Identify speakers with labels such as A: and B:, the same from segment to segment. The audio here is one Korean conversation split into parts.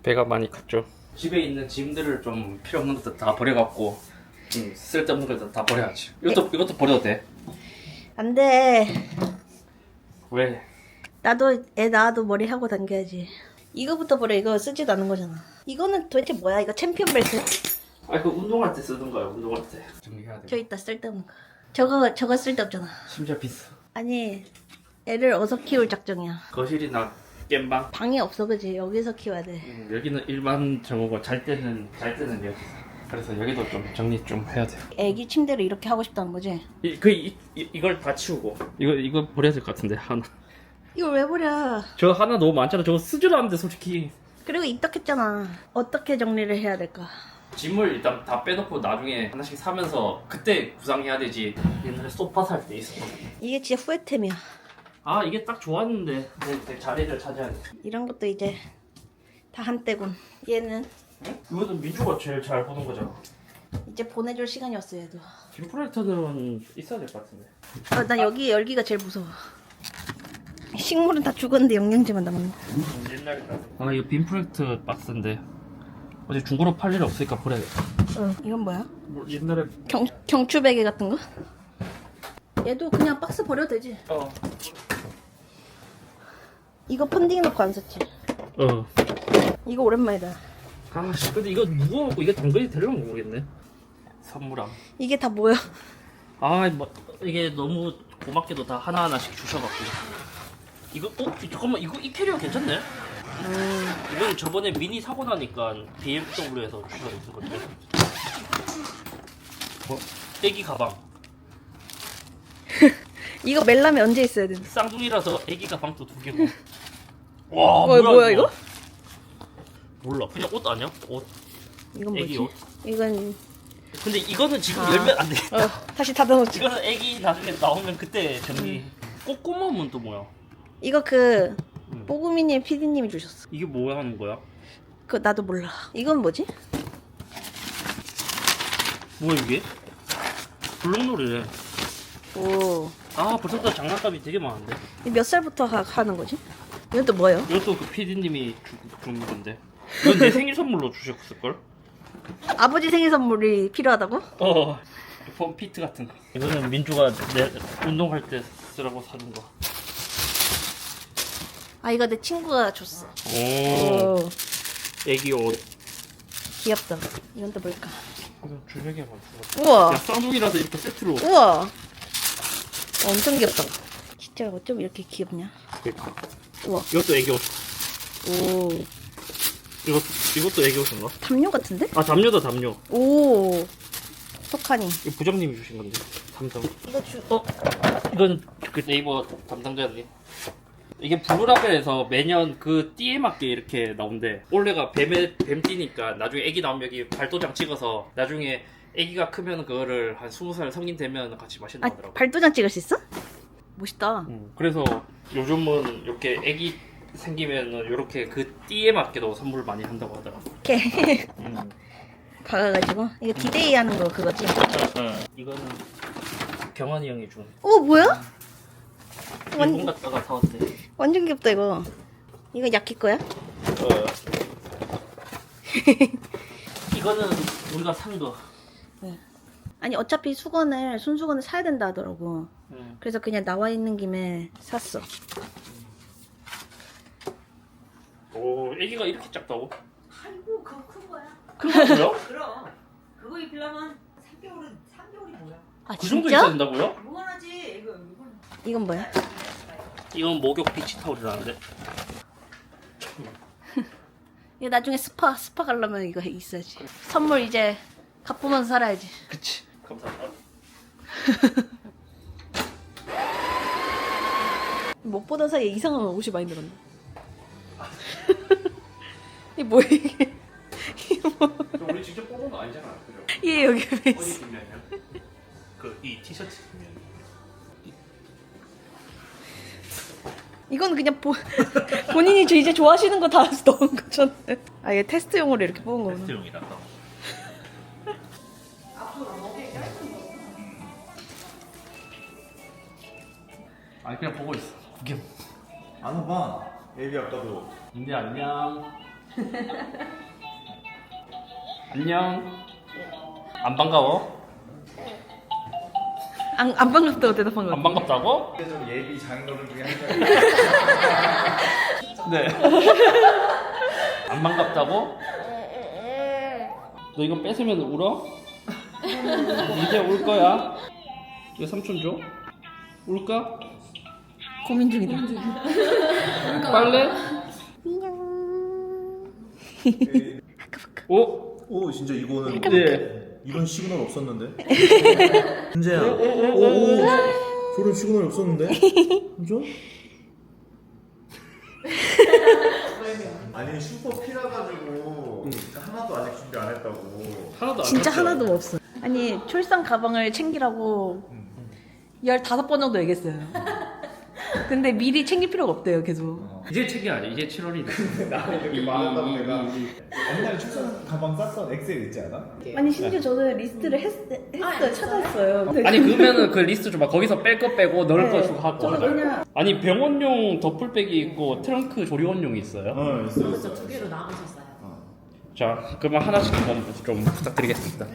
A: 배가 많이 컸죠. 집에 있는 짐들을 좀 필요 없는 것들 다 버려갖고 쓸데없는 것들 다 버려야지. 이것도 버려도 돼.
B: 안 돼.
A: 왜?
B: 나도 애 낳아도 머리 하고 당겨야지. 이거부터 버려. 이거 쓰지도 않은 거잖아. 이거는 도대체 뭐야? 이거 챔피언 벨트?
A: 아 이거 운동할 때 쓰던 거야. 운동할 때 정리해야 돼.
B: 저 있다 쓸데없는 거. 저거 쓸데없잖아.
A: 심지어 비싸.
B: 아니 애를 어디서 키울 작정이야.
A: 거실이나 겜방.
B: 방이 없어 그지? 여기서 키워야 돼.
A: 여기는 일반 정보고 잘 때는 여기서. 그래서 여기도 좀 정리 좀 해야 돼.
B: 애기 침대를 이렇게 하고 싶다는 거지?
A: 이걸 다 치우고 이거 버려야 될 것 같은데 하나.
B: 이걸 왜 버려?
A: 저 하나 너무 많잖아. 저거 쓰지도 않는데 솔직히.
B: 그리고 입덕했잖아. 어떻게 정리를 해야 될까?
A: 짐을 일단 다 빼놓고 나중에 하나씩 사면서 그때 구상해야 되지. 옛날에 소파 살 때 있었거든.
B: 이게 진짜 후회템이야.
A: 아 이게 딱 좋았는데 내 자리를 차지하네.
B: 이런 것도 이제 다 한때군. 얘는
A: 이거는 민주가 제일 잘 보는 거잖아.
B: 이제 보내줄 시간이 왔어 얘도.
A: 빔 프로젝터는 있어야 될 것 같은데.
B: 나 여기 열기가 제일 무서워. 식물은 다 죽었는데 영양제만 남았네.
A: 옛날에 아 이거 빔 프로젝터 박스인데 어제 중고로 팔 일이 없으니까 버려야겠다.
B: 이건 뭐야?
A: 뭐 옛날에
B: 경추 베개 같은 거? 얘도 그냥 박스 버려도 되지. 이거 펀딩 넣고 안 썼지? 이거 오랜만이다.
A: 아씨 근데 이거 무거워갖고 이게 당근이 되려면 모르겠네. 선물함.
B: 이게 다 뭐야?
A: 아 뭐 이게 너무 고맙게도 다 하나하나씩 주셔갖고 이거 잠깐만 이거 이 캐리어 괜찮네? 이건 저번에 미니 사고 나니까 BMW에서 주셔서 건데 애기 가방.
B: 이거 멜라면 언제 있어야 되나?
A: 쌍둥이라서 애기 가방도 2개고. 와
B: 뭐야 이거?
A: 몰라 그냥 옷 아니야? 옷.
B: 이건
A: 애기
B: 뭐지?
A: 옷.
B: 이건
A: 근데 이거는 지금 열면 안 돼.
B: 다시 닫아놓자.
A: 이거는 애기 나중에 나오면 그때 정리. 꼬꼬맘은 또 뭐야?
B: 이거 뽀구미님 PD님이 주셨어.
A: 이게 뭐야 하는 거야?
B: 그거 나도 몰라. 이건 뭐지?
A: 뭐야 이게? 블록놀이래.
B: 오.
A: 아 벌써부터 장난감이 되게 많은데.
B: 몇 살부터 하는 거지? 이건 또 뭐예요?
A: 이것도 그 PD님이 준 건데. 이건 내 생일 선물로 주셨을걸?
B: 아버지 생일 선물이 필요하다고?
A: 폼피트 같은 거. 이거는 민주가 내 운동할 때 쓰라고 사준 거.
B: 아 이거 내 친구가 줬어.
A: 오. 애기 옷.
B: 귀엽다. 이건 또 뭘까?
A: 이거 주력이 많다.
B: 우와.
A: 야 쌍둥이라서 이렇게 세트로.
B: 우와. 엄청 귀엽다. 진짜 어쩜 이렇게 귀엽냐?
A: 그러니까.
B: 우와.
A: 이것도 애기 옷.
B: 오.
A: 이것도 애기 옷인가?
B: 담요 같은데?
A: 아 담요다 담요.
B: 오. 석하니.
A: 이거 부장님이 주신 건데. 담당.
B: 이거
A: 이건 그 네이버 담당자님. 이게 블루라벨에서 매년 그 띠에 맞게 이렇게 나온대. 올해가 뱀띠니까 나중에 애기 나오면 여기 발도장 찍어서 나중에 애기가 크면 그거를 한 20살 성인 되면 같이 마신다고
B: 아
A: 하더라고.
B: 발도장 찍을 수 있어? 멋있다.
A: 그래서 요즘은 이렇게 애기 생기면 이렇게 그 띠에 맞게도 선물 많이 한다고 하더라고.
B: 이렇게 박아가지고 이거 디데이 하는 거 그거지?
A: 이거는 경환이 형이 준.
B: 오 뭐야?
A: 일본 갔다가 사왔대.
B: 완전 귀엽다 이거. 이거 야키 거야?
A: 이거는 우리가 산 거.
B: 네. 아니 어차피 손수건을 사야 된다 하더라고. 그래서 그냥 나와 있는 김에 샀어.
A: 오, 애기가 이렇게 작다고?
C: 아이고 그거 큰 거야.
A: 큰 거요?
C: 그럼 그거 입히려면 3개월이 뭐야?
B: 아
A: 그 정도
B: 진짜?
A: 있어야 된다고요?
C: 무관하지 이거.
B: 이건 뭐야?
A: 이건 목욕 비치 타올이라는데.
B: 이거 나중에 스파 가려면 이거 있어야지. 선물 이제 갚으면서 살아야지.
A: 그치. 감사합니다.
B: 못 보던 사이에 이상한 옷이 많이 늘었네. 이게 뭐야 이게? 이게 뭐?
A: 우리 직접 뽑은 거 아니잖아, 그죠?
B: 얘 여기 왜
A: 어디
B: 있어?
A: 뒷면이야? 이 티셔츠 뒷면.
B: 이건 그냥 본인이 이제 좋아하시는 거 다 넣은 거잖아. 아 얘 테스트용으로 이렇게 뽑은 거구나.
A: 테스트용이라서. 아니 그냥 보고 있어. 구경.
D: 안 와봐. 애비 아까도.
A: 인데 안녕. 안녕. 안 반가워?
B: 안 반갑다고 대답한 거
A: 안
B: 같아.
A: 반갑다고?
D: 좀 예비 장인어른 중에 한 명.
A: 네. 안 반갑다고? 너 이거 뺏으면 울어? 이제 울 거야. 이거 삼촌 줘? 울까?
B: 고민 중이다.
A: 빨래? 오?
D: 오 진짜 이거는
A: 네.
D: 이런 시그널 없었는데. 은재야. 오 저런 시그널 없었는데. 그죠? 아니 슈퍼 피라 가지고 하나도 아직 준비 안 했다고.
A: 하나도 안
B: 진짜
A: 샀어요.
B: 하나도 없어. 아니 출산 가방을 챙기라고 15번 정도 얘기했어요. 근데 미리 챙길 필요가 없대요, 계속.
A: 이제 챙겨야지. 이제 7월이다.
D: 나는 이렇게 말한다고 내가 옛날에 출산 가방 쌌던 엑셀 있지 않아?
B: 아니 심지어 저는 리스트를 했어요, 찾았어요.
A: 아니 그러면은 그 리스트 줘봐. 거기서 뺄 거 빼고 넣을 거 주고 하고.
B: 저는 그냥
A: 아니 병원용 덧풀백이 있고 트렁크 조리원용이 있어요.
D: 있어.
C: 그래서 두 개로 나누셨어요.
A: 자, 그러면 하나씩 한번 좀 부탁드리겠습니다.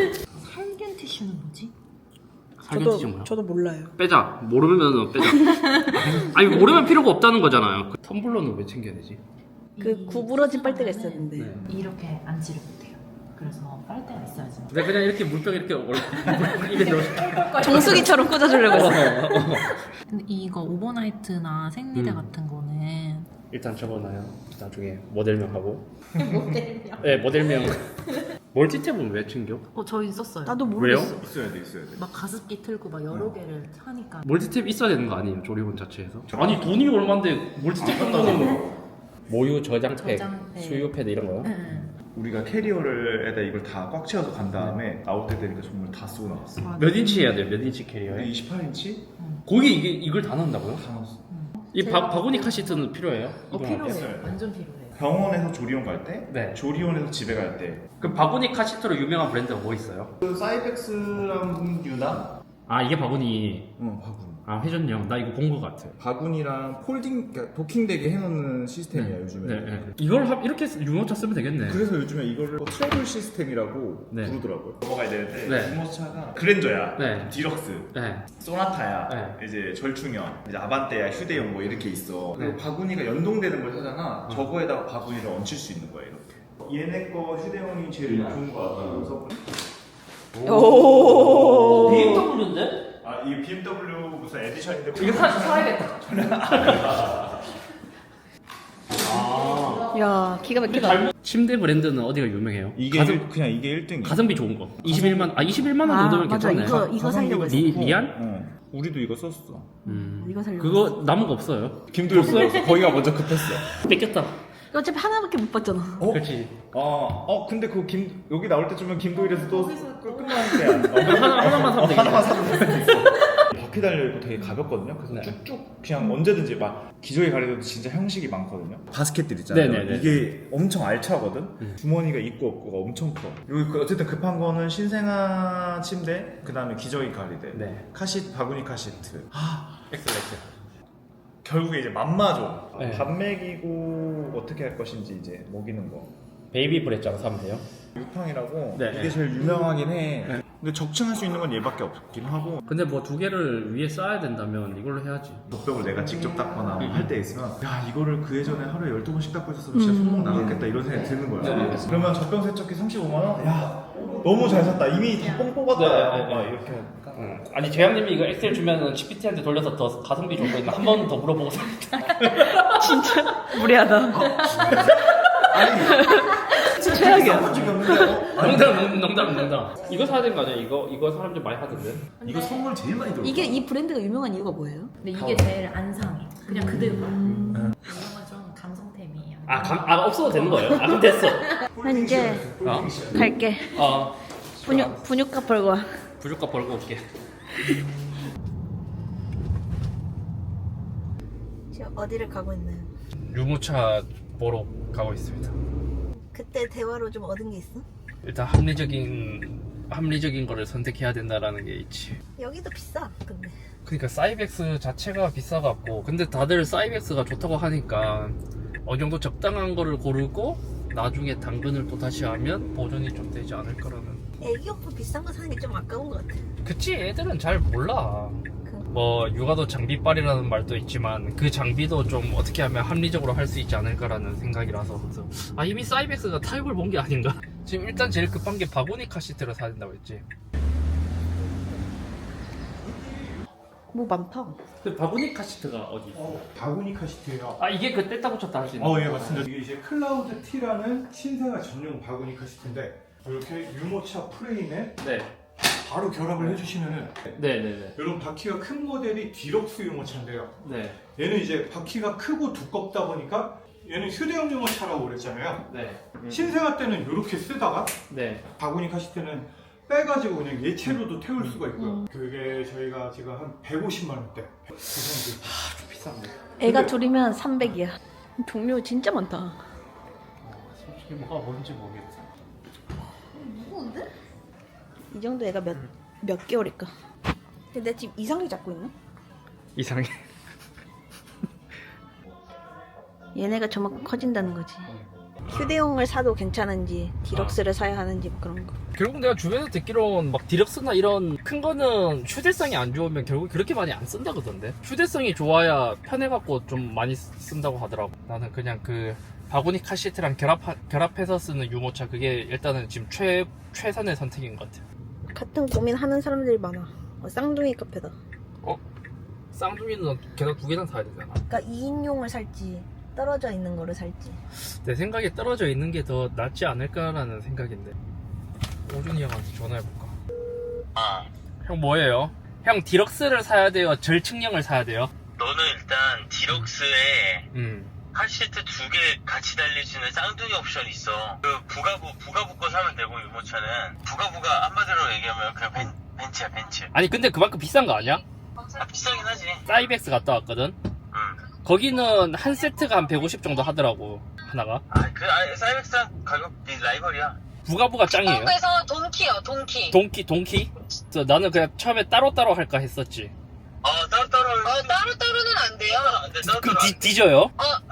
C: 살균 티슈는 뭐지?
A: 살균티슈 뭐야?
B: 저도 몰라요.
A: 빼자. 모르면 빼자. 아니 모르면 필요가 없다는 거잖아요. 그 텀블러는 왜 챙겨야 되지?
B: 그 구부러진 빨대가 있었는데.
A: 네.
C: 이렇게 앉지를 못해요. 그래서 빨대가 있어야지.
A: 내가 그냥 이렇게 물병 이렇게 입에 넣어.
B: 정수기처럼 꽂아주려고 했어요.
C: 근데 이거 오버나이트나 생리대
A: 음.
C: 같은 거는
A: 일단 적어놔요. 나중에 모델명 하고.
C: 모델이요.
A: 네, 모델명. 멀티탭은 왜 챙겨?
C: 저 있었어요.
B: 나도
A: 왜요?
B: 모르겠어.
D: 있어야 돼 있어야 돼.
C: 막 가습기 틀고 막 여러 개를 하니까.
A: 멀티탭 있어야 되는 거 아니에요? 조리원 자체에서? 아니 돈이 얼만데 멀티탭 한다는 모유 저장팩,
C: 저장, 네.
A: 수유 패드 이런 거요?
C: 응.
D: 우리가 캐리어를에다 이걸 다 꽉 채워서 간 다음에 나올 때 되니까 정말 다 쓰고 나왔어.
C: 맞아.
A: 몇 인치 해야 돼요? 몇 인치 캐리어에?
D: 28인치?
A: 거기 이걸 다 넣는다고요?
D: 다 넣었어.
A: 이 바구니 카시트는 필요해요? 이동할 때?
C: 필요해요. 완전 필요해요.
D: 병원에서 조리원 갈 때,
A: 네.
D: 조리원에서 집에 갈 때.
A: 그 바구니 카시트로 유명한 브랜드가 뭐 있어요?
D: 그 사이벡스랑 유나?
A: 아 이게 바구니.
D: 바구니.
A: 아 회전형. 나 이거 본 거 같아.
D: 바구니랑 폴딩, 그러니까 도킹되게 해놓는 시스템이야 요즘에.
A: 네. 이걸 이렇게 유모차 쓰면 되겠네.
D: 그래서 요즘에 이거를 트래블 시스템이라고
A: 네.
D: 부르더라고요. 넘어가야 되는데
A: 네.
D: 유모차가 그랜저야,
A: 네.
D: 디럭스,
A: 네.
D: 소나타야,
A: 네.
D: 이제 절충형, 이제 아반떼야, 휴대용 뭐 이렇게 있어. 그리고
A: 네.
D: 바구니가 연동되는 걸 사잖아. 저거에다가 바구니를 얹힐 수 있는 거야 이렇게. 얘네 거 휴대용이 제일 좋은 거 같아. 그래서
B: 오.
A: BMW인데?
D: 아 이게 BMW 무슨 에디션인데
A: 이거 사야겠다. 아.
B: 야, 기가 막히다.
A: 침대 브랜드는 어디가 유명해요?
D: 이게 그냥 이게 1등이야.
A: 가성비 좋은 거. 21만 원 정도면
B: 맞아.
A: 괜찮네.
B: 이거 살려고 했어.
A: 리안?
D: 우리도 이거 썼어.
B: 이거 살려고.
A: 그거 남은 거 없어요.
D: 김도영 거기가 먼저 급했어.
A: 뺏겼다.
B: 이거 어차피 하나밖에 못 봤잖아.
A: 그렇지.
D: 근데 그 여기 나올 때쯤은 김도일에서 또 끝나는데.
A: 하나만 사면 되겠네.
D: 하나만 사도 되겠어. 바퀴 달려있고 되게 가볍거든요. 그래서
A: 네.
D: 쭉쭉 그냥 언제든지 막 기저귀 가려도 진짜 형식이 많거든요. 바스켓들 있잖아요.
A: 네네네.
D: 이게 엄청 알차거든. 주머니가 있고 없고가 엄청 커. 그리고 어쨌든 급한 거는 신생아 침대, 그 다음에 기저귀 가리대,
A: 네.
D: 카시트, 바구니 카시트.
A: 엑셀렉트.
D: 결국에 이제 맘마죠.
A: 네.
D: 밥 먹이고 어떻게 할 것인지 이제 먹이는 거.
A: 베이비 브레자로 사면 돼요.
D: 육팡이라고
A: 네.
D: 이게 제일 유명하긴 해. 근데 적층할 수 있는 건 얘밖에 없긴 하고
A: 근데 뭐 두 개를 위에 쌓아야 된다면 이걸로 해야지.
D: 젖벽을 내가 직접 닦거나 뭐 할 때 있으면 야 이거를 그 예전에 하루에 12번씩 닦고 있었으면 진짜 손목 나갔겠다 이런 생각이 드는 거야.
A: 네.
D: 그러면 젖병 세척기 35만 원? 야 너무 잘 샀다. 이미 다 뽕 뽑았다.
A: 네, 네,
D: 막
A: 네.
D: 이렇게 할까?
A: 아니 재영님이 이거 엑셀 주면은 GPT한테 돌려서 더 가성비 좋고 있나 한 번 더 물어보고 사.
B: 진짜 무리하다.
D: 아니
B: 최악이야.
D: 한 적이 없는데
A: 농담. 이거 사야 되는 거 아니야? 이거 사람들 많이 하던데.
D: 이거 선물 제일 많이 들어.
B: 이게 이 브랜드가 유명한 이유가 뭐예요?
C: 근데 이게 제일 안 상해. 그냥 그대로. 이런 건 좀 감성템이에요.
A: 없어도 되는 거예요? 그럼 됐어.
B: 난 이제
A: 어?
B: 갈게.
A: 어.
B: 분유값 벌고 와.
A: 부족값 벌고 올게.
B: 지금 어디를 가고 있나요?
A: 유모차 보러 가고 있습니다.
B: 그때 대화로 좀 얻은 게 있어?
A: 일단 합리적인 거를 선택해야 된다라는 게 있지.
B: 여기도 비싸. 근데
A: 그러니까 사이벡스 자체가 비싸갖고 근데 다들 사이벡스가 좋다고 하니까 어느 정도 적당한 거를 고르고 나중에 당근을 또 다시 하면 보존이 좀 되지 않을 거라는.
B: 애기 오빠 비싼 거 사는 게 좀 아까운 것 같아.
A: 그치, 애들은 잘 몰라. 뭐 육아도 장비빨이라는 말도 있지만 그 장비도 좀 어떻게 하면 합리적으로 할 수 있지 않을까라는 생각이라서. 그래서 이미 사이벡스가 타협을 본 게 아닌가. 지금 일단 제일 급한 게 바구니 카시트를 사야 된다고 했지.
B: 뭐 많다.
A: 그 바구니 카시트가 어디 있어?
D: 바구니 카시트예요.
A: 이게 그 뗐다 붙였다 할 수 있는
D: 예, 맞습니다. 이게 이제 클라우드 T라는 신생아 전용 바구니 카시트인데 이렇게 유모차 프레임에
A: 네.
D: 바로 결합을 해주시면은
A: 네네네.
D: 이런 바퀴가 큰 모델이 디럭스 유모차인데요.
A: 네.
D: 얘는 이제 바퀴가 크고 두껍다 보니까 얘는 휴대용 유모차라고 그랬잖아요.
A: 네.
D: 신생아 때는 이렇게 쓰다가
A: 네.
D: 바구니 카시트는 빼가지고 그냥 예체로도 태울 수가 있고요. 그게 저희가 지금 한 150만 원대 구성이 돼 있어요.
A: 좀 비싼데.
B: 애가 둘이면 300이야. 종류 진짜 많다.
A: 솔직히 뭐가 뭔지 모르겠어.
B: 무거운데? 이 정도 애가 몇 개월일까? 근데 내 지금 이상하게 잡고 있나?
A: 이상해.
B: 얘네가 저만큼 커진다는 거지. 휴대용을 사도 괜찮은지 디럭스를 사야 하는지 뭐 그런 거.
A: 결국 내가 주변에서 듣기로는 막 디럭스나 이런 큰 거는 휴대성이 안 좋으면 결국 그렇게 많이 안 쓴다 그러던데. 휴대성이 좋아야 편해갖고 좀 많이 쓴다고 하더라고. 나는 그냥 그 바구니 카시트랑 결합해서 쓰는 유모차, 그게 일단은 지금 최선의 선택인 것 같아.
B: 같은 고민하는 사람들이 많아. 쌍둥이 카페다.
A: 쌍둥이는 게다가 2개나 사야 되잖아.
B: 그러니까 2인용을 살지 떨어져 있는 거를 살지.
A: 내 생각에 떨어져 있는 게 더 낫지 않을까라는 생각인데. 오준이 형한테 전화해볼까? 형 뭐예요? 형 디럭스를 사야 돼요? 절측량을 사야 돼요?
E: 너는 일단 디럭스에
A: 음.
E: 카시트 2개 같이 달릴 수 있는 쌍둥이 옵션이 있어. 그 부가부 거 사면 되고, 유모차는 부가부가 한마디로 얘기하면 그냥 벤츠야, 벤츠.
A: 아니 근데 그만큼 비싼 거 아니야?
E: 비싸긴 하지.
A: 사이벡스 갔다 왔거든? 거기는 한 세트가 한 150 정도 하더라고, 하나가.
E: 사이벡스랑 가격이 라이벌이야.
A: 부가부가 짱이에요.
C: 한국에서 돈키.
A: 동키? 그래서 나는 그냥 처음에 따로따로 할까 했었지.
E: 따로따로.
C: 따로따로는 안 돼요.
E: 안 돼, 따로따로.
A: 그럼 뒤져요?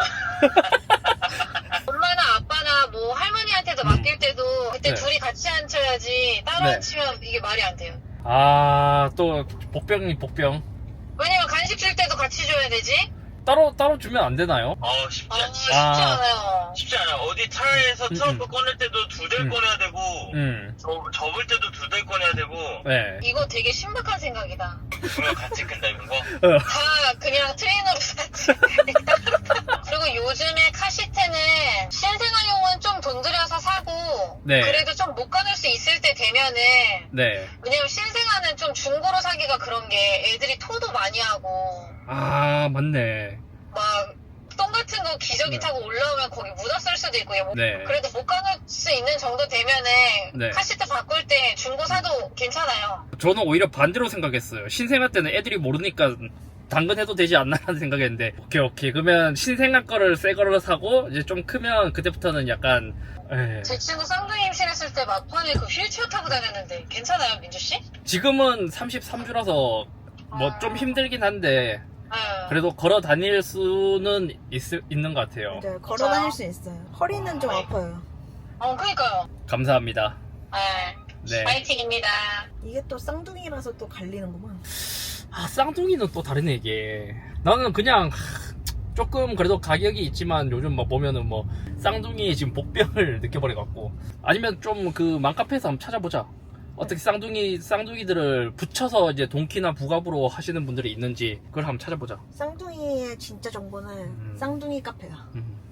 C: 엄마나 아빠나 뭐 할머니한테도 맡길 때도 그때
A: 네.
C: 둘이 같이 앉혀야지 따로
A: 네.
C: 앉히면 이게 말이 안 돼요.
A: 또 복병이 복병.
C: 왜냐면 간식 줄 때도 같이 줘야 되지.
A: 따로 주면 안 되나요?
E: 쉽지
C: 쉽지
E: 않지.
C: 않아요.
E: 쉽지 않아. 어디 차에서 트렁크 꺼낼 때도 2대 꺼내야 되고, 접을 때도 2대 꺼내야 되고,
A: 네.
C: 이거 되게 신박한 생각이다.
E: 그거 같이 끈다, 이런 거.
C: 다 그냥 트레이너로 샀지. 그리고 요즘에 카시트는 신생아용은 좀 돈 들여서 사고,
A: 네.
C: 그래도 좀 못 가눌 수 있을 때 되면은,
A: 네.
C: 왜냐면 신생아는 좀 중고로 사기가 그런 게 애들이 토도 많이 하고,
A: 맞네.
C: 막 똥 같은 거 기저귀
A: 네.
C: 타고 올라오면 거기 묻었을 수도 있고,
A: 네.
C: 그래도 못 가눌 수 있는 정도 되면은
A: 네.
C: 카시트 바꿀 때 중고 사도 괜찮아요.
A: 저는 오히려 반대로 생각했어요. 신생아 때는 애들이 모르니까 당근해도 되지 않나라는 생각했는데, 오케이. 그러면 신생아 거를 새 거를 사고, 이제 좀 크면 그때부터는 약간,
C: 제 친구 쌍둥이 임신했을 때 막판에 그 휠체어 타고 다녔는데 괜찮아요, 민주씨?
A: 지금은 33주라서 뭐 좀 힘들긴 한데, 그래도 걸어 다닐 수는 있는 것 같아요.
B: 맞아요. 걸어 다닐 수 있어요. 허리는 좀 아파요.
C: 그니까요.
A: 감사합니다. 네.
C: 파이팅입니다.
B: 이게 또 쌍둥이라서 또 갈리는구만.
A: 쌍둥이는 또 다르네, 이게. 나는 그냥, 조금 그래도 가격이 있지만 요즘 막 보면은 뭐, 쌍둥이 지금 복병을 느껴버려갖고. 아니면 좀 그 맘카페에서 한번 찾아보자. 어떻게 쌍둥이들을 붙여서 이제 동키나 부갑으로 하시는 분들이 있는지, 그걸 한번 찾아보자.
B: 쌍둥이의 진짜 정보는 쌍둥이 카페야.